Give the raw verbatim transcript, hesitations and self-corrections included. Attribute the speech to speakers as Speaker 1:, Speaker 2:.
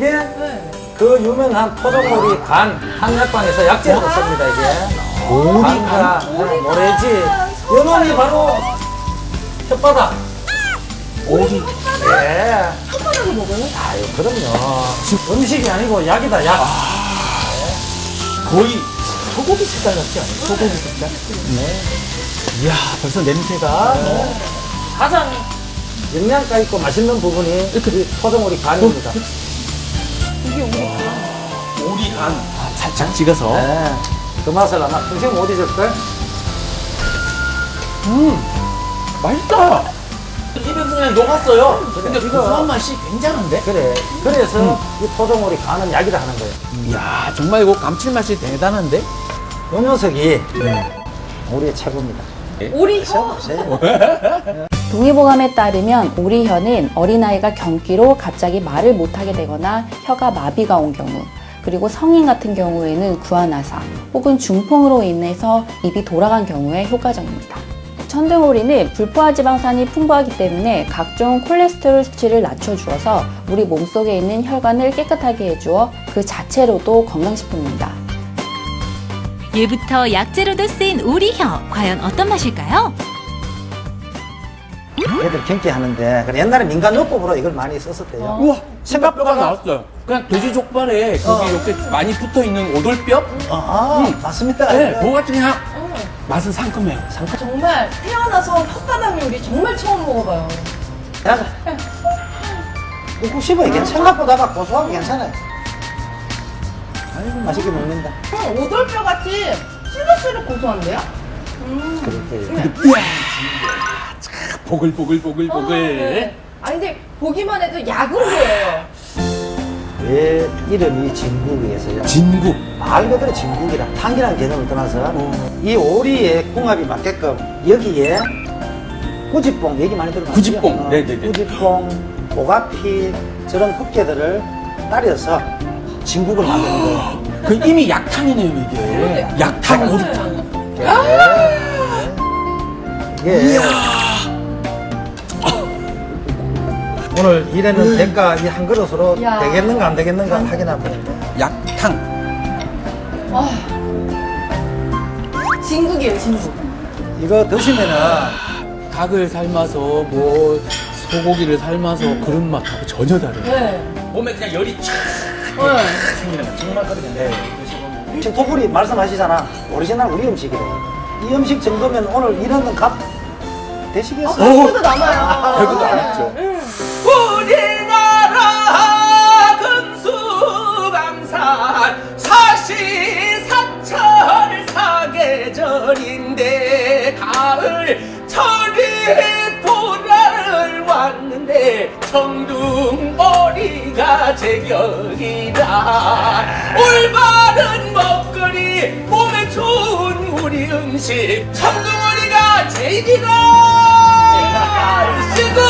Speaker 1: 이게
Speaker 2: 네.
Speaker 1: 그 유명한 토종오리 간 한약방에서 약재로 씁니다 이게. 간과 모래지 요놈이 바로 혓바닥.
Speaker 2: 오리.
Speaker 1: 예.
Speaker 2: 혓바닥을 먹어요?
Speaker 1: 아유 그럼요. 음식이 아니고 약이다 약.
Speaker 3: 거의 소고기 색깔 같지 않아요? 소고기 색깔? 네. 이야, 벌써 냄새가.
Speaker 1: 가장 영양가 있고 맛있는 부분이 이 토종오리 간입니다.
Speaker 2: 이게 오리구나.
Speaker 3: 오리 간. 아, 살짝 찍어서.
Speaker 1: 네. 그 맛을 아마 평생 못 잊을걸?
Speaker 3: 음, 맛있다. 입에서 그냥 녹았어요. 근데
Speaker 1: 이거-
Speaker 3: 고소한 맛이 굉장한데?
Speaker 1: 그래. 그래서 이 토종오리 간은 약이라 하는 거예요.
Speaker 3: 이야, 정말 이거 감칠맛이 대단한데?
Speaker 1: 요 녀석이 우리의 최고입니다.
Speaker 2: 오리 혀?
Speaker 1: 보세요.
Speaker 4: 동의보감에 따르면 오리혀는 어린아이가 경기로 갑자기 말을 못하게 되거나 혀가 마비가 온 경우, 그리고 성인 같은 경우에는 구안화사 혹은 중풍으로 인해서 입이 돌아간 경우에 효과적입니다. 천둥오리는 불포화지방산이 풍부하기 때문에 각종 콜레스테롤 수치를 낮춰주어서 우리 몸속에 있는 혈관을 깨끗하게 해주어 그 자체로도 건강식품입니다.
Speaker 5: 예부터 약재로도 쓰인 오리혀, 과연 어떤 맛일까요?
Speaker 1: 애들 경기하는데 그래, 옛날에 민간요법으로 이걸 많이 썼었대요.
Speaker 3: 우와, 생각뼈가 나왔어요. 그냥 돼지 족발에 거기 이렇게 많이 붙어 있는 오돌뼈?
Speaker 1: 아, 맞습니다.
Speaker 3: 네, 그거 같은 그냥 맛은 상큼해요.
Speaker 2: 정말 태어나서 혓바닥 요리 정말 처음 먹어봐요.
Speaker 1: 야, 꾹꾹 씹어. 이게 생각보다 고소하고 괜찮아요. 아이고, 맛있게 먹는다.
Speaker 2: 음, 오돌뼈 같이 시룩시룩 고소한데요?
Speaker 1: 그렇게.
Speaker 3: 보글보글보글보글.
Speaker 2: 네. 아니 근데 보기만 해도 약으로 보여요.
Speaker 1: 왜 이름이 진국이에서요?
Speaker 3: 진국.
Speaker 1: 말 그대로 진국이라 탕이라는 개념을 떠나서 이 오리의 궁합이 맞게끔 여기에 꾸지뽕 얘기 많이 들어봤죠?
Speaker 3: 꾸지뽕. 네네네.
Speaker 1: 꾸지뽕, 오가피 저런 흑개들을 따려서 진국을 만드는 거예요.
Speaker 3: 그 이미 약탕이네요, 이게. 약탕, 오리탕.
Speaker 1: 예. 오늘 일에는 대가 이 한 그릇으로
Speaker 2: 야.
Speaker 1: 되겠는가 안 되겠는가 확인하고.
Speaker 3: 약탕.
Speaker 2: 와. 진국이에요, 진국.
Speaker 1: 이거 드시면은
Speaker 3: 닭을 삶아서 뭐 소고기를 삶아서 그런 맛하고 전혀 다르요
Speaker 2: 네.
Speaker 3: 몸에 그냥 열이 촥
Speaker 2: 네.
Speaker 3: 생기는 거 정말 그러겠네.
Speaker 1: 지금 토불이 말씀하시잖아. 오리지널 우리 음식이래. 이 음식 정도면 오늘 이런 값 되시겠어요?
Speaker 2: 배고도 남아요.
Speaker 3: 배고도 안 했죠.
Speaker 2: 응.
Speaker 3: 우리나라 금수강산 사시사철 사계절인데 가을 철이 돌아를 왔는데 청둥오리가 제격이다. 올바른 먹거리 몸에 좋은 우리 음식 청둥오리가 제일이다.